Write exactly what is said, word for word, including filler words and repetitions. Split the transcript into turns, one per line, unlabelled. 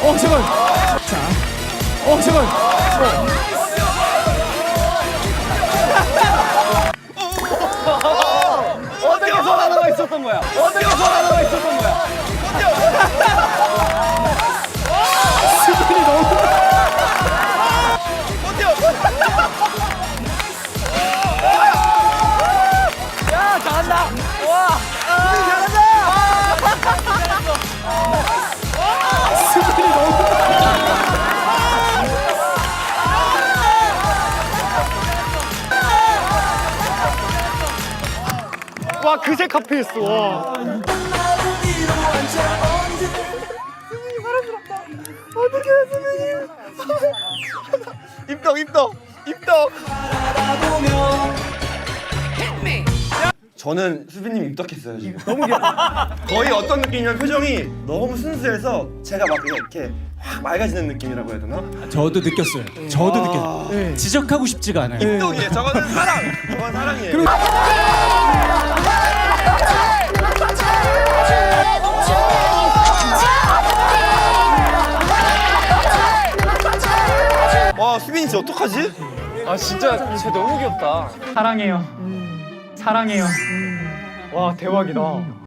어 잠깐. 자, 어 잠깐. 어.
어떻게 손 하나가 있었던 거야? 어떻게 손 하나가 있었던 거야?
수빈이 너무.
야, 잘한다. 와.
수빈이 너무.
와, 그새 카페였어. 와. 입덕, 입덕, 입덕.
저는 수빈님 입덕했어요 지금. 너무 귀여워. 거의 어떤 느낌이냐면 표정이 너무 순수해서 제가 막 그냥 이렇게 확 맑아지는 느낌이라고 해야 되나?
저도 느꼈어요. 저도 느꼈어요. 네. 지적하고 싶지가 않아요.
입덕이에요. 저거는 사랑. 저건 사랑이에요. 와 수빈이 진짜 어떡하지?
아, 진짜 쟤 너무 귀엽다. 사랑해요. 사랑해요. 와, 대박이다.